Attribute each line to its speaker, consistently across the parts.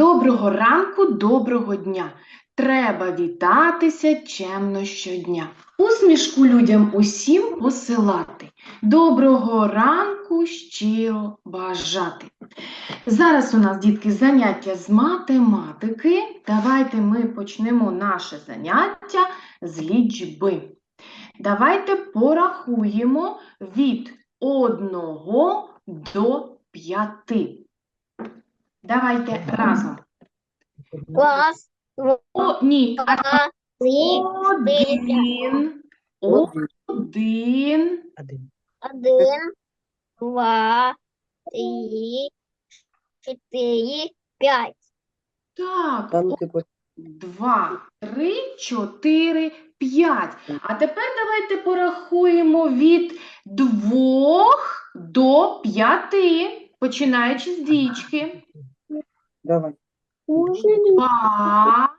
Speaker 1: Доброго ранку, доброго дня. Треба вітатися чемно щодня. Усмішку людям усім посилати. Доброго ранку щиро бажати. Зараз у нас, дітки, заняття з математики. Давайте ми почнемо наше заняття з лічби. Давайте порахуємо від 1 до 5. Давайте разом.
Speaker 2: Раз,
Speaker 1: Ні,
Speaker 2: два, три,
Speaker 1: один,
Speaker 2: один, два, три, четыре, пять.
Speaker 1: так,
Speaker 3: Там типу
Speaker 1: 2, 3, 4, 5. А тепер давайте порахуємо від 2 до 5, починаючи з дічки.
Speaker 3: давай.
Speaker 1: 2,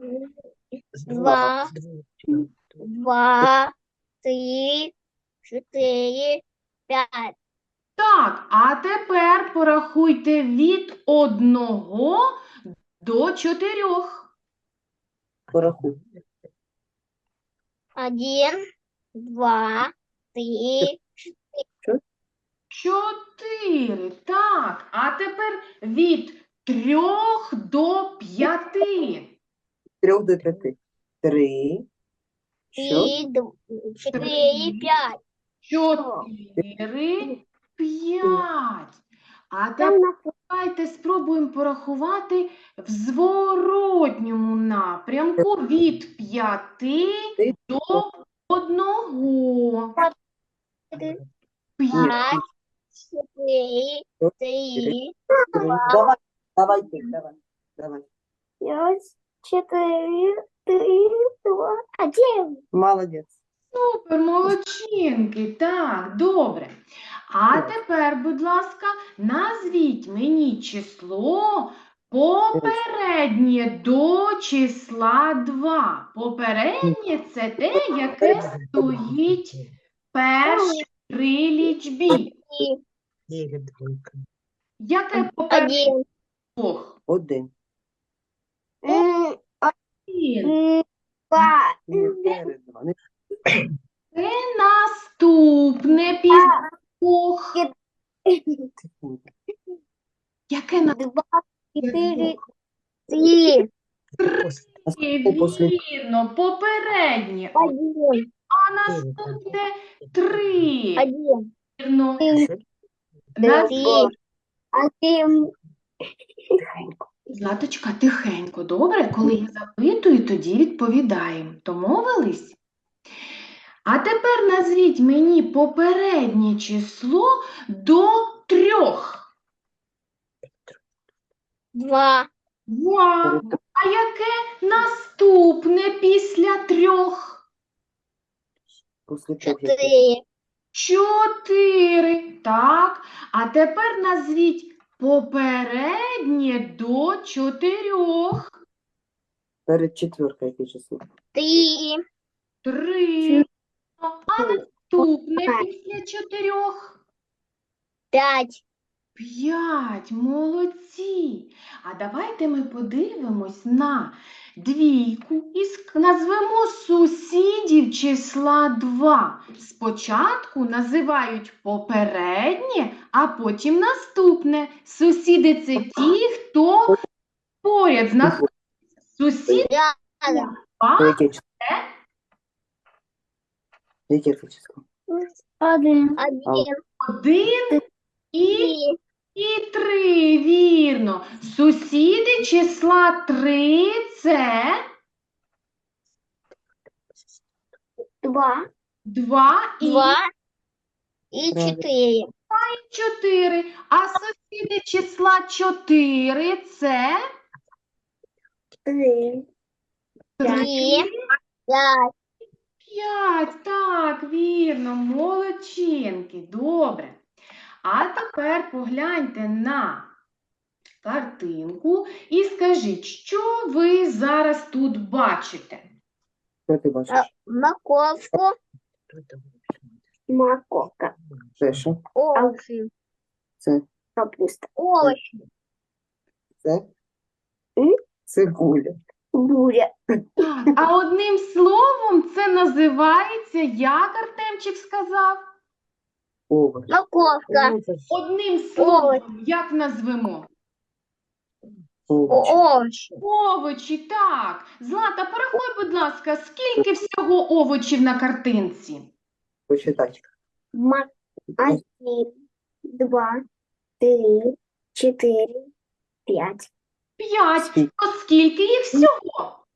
Speaker 2: Два, два, три, четыре, пять.
Speaker 1: Так, а тепер порахуйте від 1 до 4.
Speaker 3: Порахуй.
Speaker 2: Один, два, три,
Speaker 1: 4. Так, а тепер від 3 до 5.
Speaker 3: 3 до 5. 3. Що?
Speaker 2: четыре, пять.
Speaker 1: 4, 5. А тепер давайте спробуємо порахувати в зворотньому напрямку від 5 до 1. 5.
Speaker 2: Пять, четыре, три,
Speaker 3: Давай, давай, ти, давай.
Speaker 2: пять, четыре, три, два, один.
Speaker 3: Молодець.
Speaker 1: Супер, молодчинки. Так, добре. А тепер, будь ласка, назвіть мені число попереднє до числа 2. Попереднє – це те, яке стоїть перші при лічбі. Яке попереднє?
Speaker 2: Один.
Speaker 1: Двох?
Speaker 3: 1.
Speaker 1: Один.
Speaker 2: Два.
Speaker 3: Не перед 2.
Speaker 1: Це наступне після двох. Яке
Speaker 2: Два, четыре,
Speaker 1: наступне?
Speaker 2: три,
Speaker 1: Вірно, попереднє.
Speaker 2: один,
Speaker 1: А наступне 3.
Speaker 2: один,
Speaker 1: Вірно.
Speaker 2: три, один.
Speaker 1: Златочка, тихенько, добре? Коли я запитую, тоді відповідаємо. Домовились? А тепер назвіть мені попереднє число до 3.
Speaker 2: Два,
Speaker 1: 2. А яке наступне після 3?
Speaker 3: Після того,
Speaker 2: четыре,
Speaker 1: 4. Так. А тепер назвіть попереднє до 4.
Speaker 3: перед 4 яке число?
Speaker 2: три,
Speaker 1: 3. А наступне після 4?
Speaker 2: пять,
Speaker 1: 5. Молодці. А давайте ми подивимось на двійку і назвемо сусідів числа 2. Спочатку називають попереднє, а потім наступне. Сусіди – це ті, хто поряд знаходиться. Сусід
Speaker 2: рядом,
Speaker 1: 2
Speaker 3: Яке число? Яке це число?
Speaker 2: один,
Speaker 1: 1 і 3, вірно. Сусіди числа 3 – це
Speaker 2: два,
Speaker 1: 2 і
Speaker 2: два и четыре,
Speaker 1: 4. А сусіди числа 4 – це
Speaker 2: три,
Speaker 1: 3,
Speaker 2: пять,
Speaker 1: 5. Так, вірно, молодчинки. Добре. А тепер погляньте на картинку і скажіть, що ви зараз тут бачите?
Speaker 3: Що ти бачиш?
Speaker 2: морковку, морковка,
Speaker 3: Це що?
Speaker 2: овощи,
Speaker 3: Це?
Speaker 2: капуста, овощи,
Speaker 3: Це? Цибуля.
Speaker 2: Буря.
Speaker 1: Так, а одним словом це називається, як Артемчик сказав?
Speaker 3: Овощ.
Speaker 2: Морковка.
Speaker 3: Ну, це ж
Speaker 1: Одним словом, як назвемо?
Speaker 3: овощ.
Speaker 2: Овощи.
Speaker 1: Овочі, так. Злата, порахуй, будь ласка, скільки всього овочів на картинці?
Speaker 3: Посчитай.
Speaker 2: Один, два, три, четыре, пять.
Speaker 1: 5.
Speaker 3: Скільки?
Speaker 1: То скільки їх всього?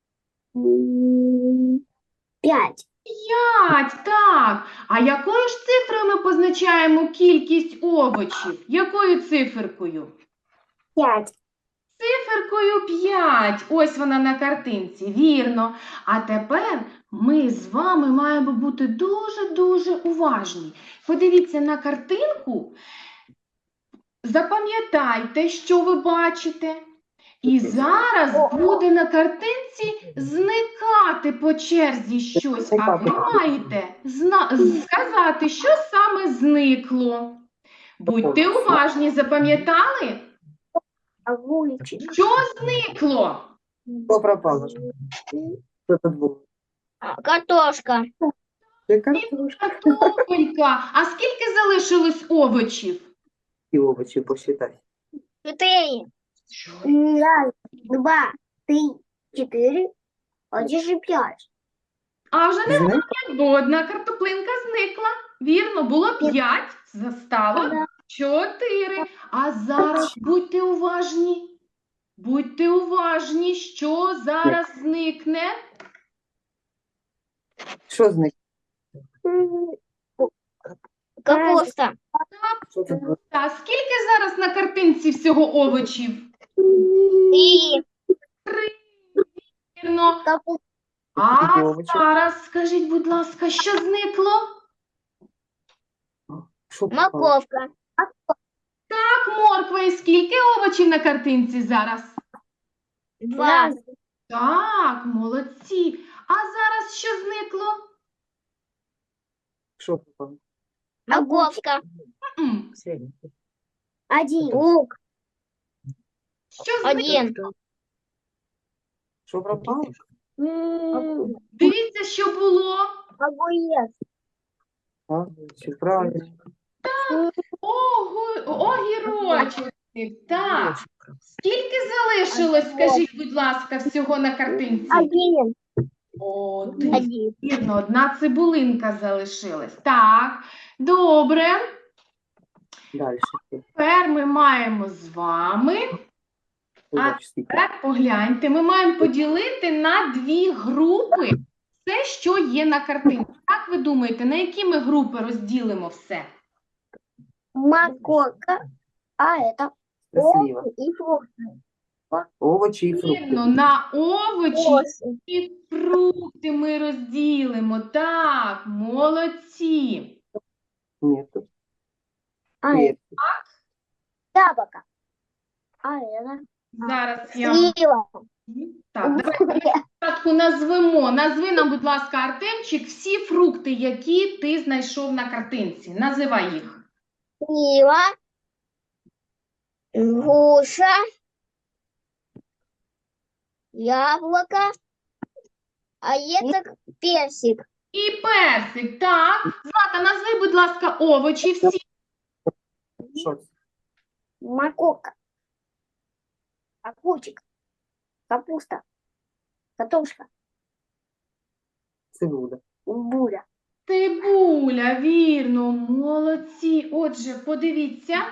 Speaker 2: 5.
Speaker 1: 5, так. А якою ж цифрою ми позначаємо кількість овочів? Якою циферкою?
Speaker 2: 5.
Speaker 1: Циферкою 5. Ось вона на картинці, вірно. А тепер ми з вами маємо бути дуже-дуже уважні. Подивіться на картинку, запам'ятайте, що ви бачите. І зараз буде на картинці зникати по черзі щось, а ви маєте сказати, що саме зникло. Будьте уважні, запам'ятали?
Speaker 2: Огурчик.
Speaker 1: Що зникло?
Speaker 3: Що пропало? Що тут було?
Speaker 2: Картошка.
Speaker 3: Це картошка.
Speaker 1: Картопелька. А скільки залишилось овочів?
Speaker 3: І овочі посчитай.
Speaker 2: 4. Раз, два, три, 4. Один же 5.
Speaker 1: А вже не
Speaker 3: Знаєш?
Speaker 1: бо одна картоплинка зникла. Вірно, було 5, застало 4. А зараз будьте уважні. Будьте уважні, що зараз зникне.
Speaker 3: Що з них?
Speaker 2: Капуста.
Speaker 3: Що тут було?
Speaker 1: А скільки зараз на картинці всього овочів?
Speaker 2: 3.
Speaker 1: Вірно.
Speaker 2: Капуста.
Speaker 1: А
Speaker 3: Скільки овочів?
Speaker 1: зараз скажіть, будь ласка, що зникло?
Speaker 3: Що пропало?
Speaker 2: Морковка.
Speaker 1: Так, морква. І скільки овочів на картинці зараз?
Speaker 2: 2.
Speaker 1: Так, молодці. А зараз що зникло?
Speaker 3: Що пропало?
Speaker 2: Морковка.
Speaker 1: М,
Speaker 2: 1. Лук.
Speaker 1: Що зникло?
Speaker 2: 1.
Speaker 3: Що пропало?
Speaker 1: Дивіться, що було.
Speaker 2: Огурец.
Speaker 3: А, чи правильно?
Speaker 1: Огірочок. Так. Скільки залишилось, скажіть, будь ласка, всього на картинці?
Speaker 2: 1.
Speaker 1: Один.
Speaker 2: 1.
Speaker 1: Вірно, одна цибулинка залишилась. Так, добре.
Speaker 3: Далі.
Speaker 1: Тепер ми маємо з вами,
Speaker 3: Овочі скільки?
Speaker 1: тепер погляньте, ми маємо поділити на 2 групи все, що є на картинці. Як ви думаєте, на які ми групи розділимо все?
Speaker 2: Морковка. А это
Speaker 3: Це сліва.
Speaker 2: и фрукты.
Speaker 3: Овочі і фрукти.
Speaker 1: Вірно, на овочі
Speaker 2: Овощи.
Speaker 1: і фрукти ми розділимо. Так, молодці.
Speaker 3: Ні, тут
Speaker 2: А это
Speaker 3: перці.
Speaker 2: яблоко. А это
Speaker 1: Зараз я...
Speaker 2: слива.
Speaker 1: Так, давайте спочатку назвемо. Назви нам, будь ласка, Артемчик, всі фрукти, які ти знайшов на картинці. Називай їх.
Speaker 2: Слива. Груша. Яблоко. А это персик.
Speaker 1: І персик, так. Злата, назви, будь ласка, овочі всі.
Speaker 3: Що це?
Speaker 2: Морковка. Огурчик. Капуста. Картошка.
Speaker 3: Цибуля.
Speaker 2: Буря.
Speaker 1: Цибуля, вірно, молодці. Отже, подивіться.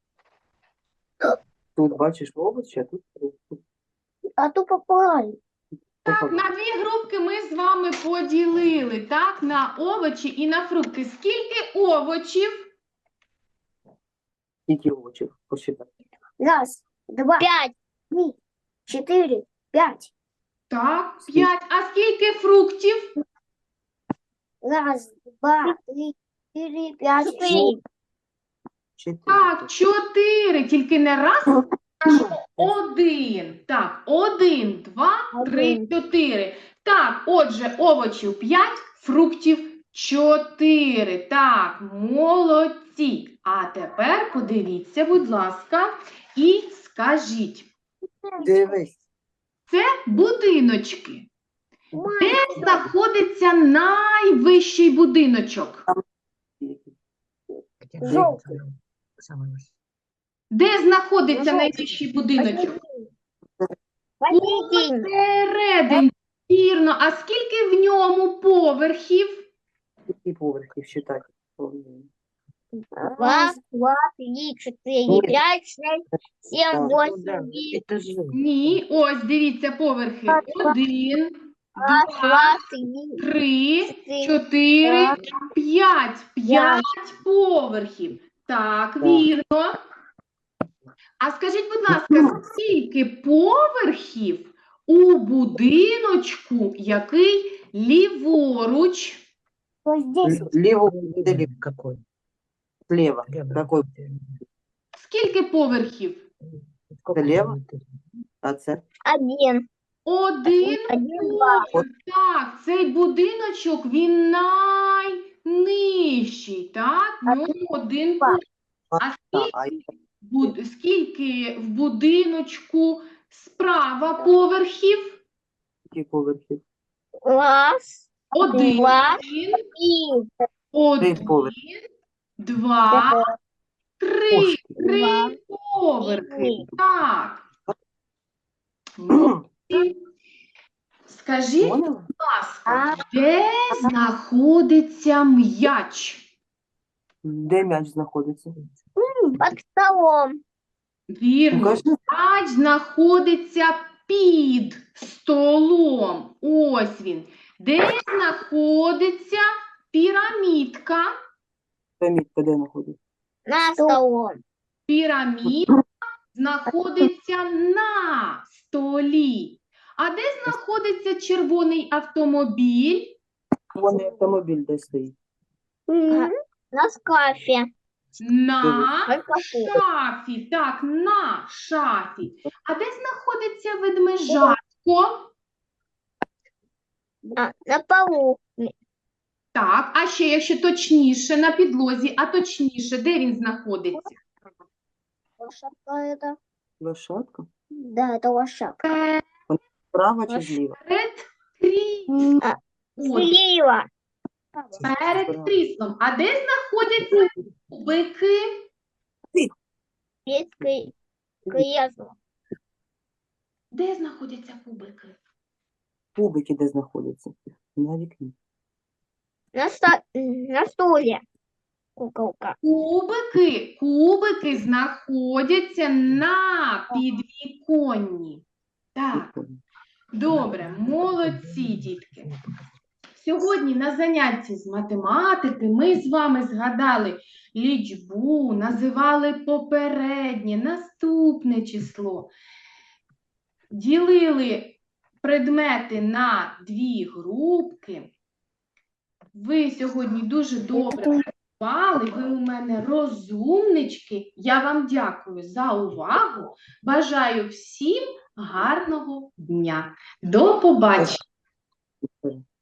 Speaker 3: Тут бачиш овочі, а тут фрукти.
Speaker 2: А то попали.
Speaker 1: Так, на 2 групки ми з вами поділили, так, на овочі і на фрукти. Скільки овочів?
Speaker 3: Скільки овочів? Посчитай.
Speaker 2: Раз, два, 5, 3, 4, 5.
Speaker 1: Так, 5. А скільки фруктів?
Speaker 2: Раз, два, три, 4, 5, 6.
Speaker 3: 4.
Speaker 1: Так, 4. Тільки не раз, кажемо 1. Так, 1, 2, 3, 4. Так, отже, овочів 5, фруктів 4. Так, молодці. А тепер подивіться, будь ласка, і скажіть.
Speaker 3: Дивись.
Speaker 1: це будиночки. Де знаходиться найвищий будиночок?
Speaker 2: Желтый.
Speaker 1: Де знаходиться
Speaker 2: Жовтий.
Speaker 1: найвищий будиночок?
Speaker 2: Посередине.
Speaker 1: Посередині. Вірно. А скільки в ньому поверхів?
Speaker 3: Які поверхи считати?
Speaker 2: Раз, два, три, четыре, пять, шесть, семь,
Speaker 3: Да.
Speaker 2: восемь, девять.
Speaker 1: Ні. Ось, дивіться, поверхи. 1,
Speaker 2: Раз,
Speaker 1: 2,
Speaker 2: два, три,
Speaker 1: 3,
Speaker 2: четыре,
Speaker 1: 4,
Speaker 2: пять.
Speaker 1: 5. 5 поверхів. Так, вірно. А скажіть, будь ласка, скільки поверхів у будиночку, який ліворуч?
Speaker 2: Вот здесь.
Speaker 3: Лево или какой? Слева. Какой?
Speaker 1: Скільки поверхів?
Speaker 3: Слева? А це?
Speaker 2: Один.
Speaker 1: Один
Speaker 2: Один, два.
Speaker 1: поверх. Так, цей будиночок, він найнижчий, так? В ньому один
Speaker 2: два.
Speaker 1: поверх. А
Speaker 3: А,
Speaker 1: скільки в будиночку справа поверхів?
Speaker 3: які поверхи?
Speaker 2: Раз,
Speaker 1: Один,
Speaker 2: два,
Speaker 1: один,
Speaker 2: три.
Speaker 3: Три поверхи.
Speaker 1: два, три.
Speaker 3: Пушки.
Speaker 1: Три поверхи.
Speaker 2: Три.
Speaker 1: Так. Молодці. Скажіть,
Speaker 3: Поняла?
Speaker 1: будь ласка, де знаходиться м'яч?
Speaker 3: Де м'яч знаходиться?
Speaker 2: Под столом.
Speaker 1: Вірно,
Speaker 3: Покажи.
Speaker 1: м'яч знаходиться під столом. Ось він. Де знаходиться пірамідка?
Speaker 3: Пам'ятка де знаходиться?
Speaker 2: На столом.
Speaker 1: Пірамідка знаходиться на столі. А де знаходиться червоний автомобіль?
Speaker 3: Вон автомобіль де стоїть.
Speaker 2: На шкафе.
Speaker 1: На шафі. Так, на шафі. А де знаходиться ведмежатко?
Speaker 2: На полу.
Speaker 1: Так, а ще, якщо точніше, на підлозі, а точніше, де він знаходиться?
Speaker 2: Лошадка это?
Speaker 3: Лошадка?
Speaker 2: Да, это лошадка.
Speaker 3: Справа чи зліва?
Speaker 1: Перед кріслом. Ось,
Speaker 2: Слева.
Speaker 1: перед кріслом. А де знаходяться кубики?
Speaker 2: Детское кресло.
Speaker 1: Де знаходяться кубики?
Speaker 3: Кубики де знаходяться? На вікні.
Speaker 2: На стуле. Куколка.
Speaker 1: Кубики знаходяться на підвіконні. Так. Добре, молодці, дітки. Сьогодні на занятті з математики ми з вами згадали лічбу, називали попереднє, наступне число, ділили предмети на дві групки. Ви сьогодні дуже добре працювали, ви у мене розумнички. Я вам дякую за увагу. Бажаю всім гарного дня. До побачення.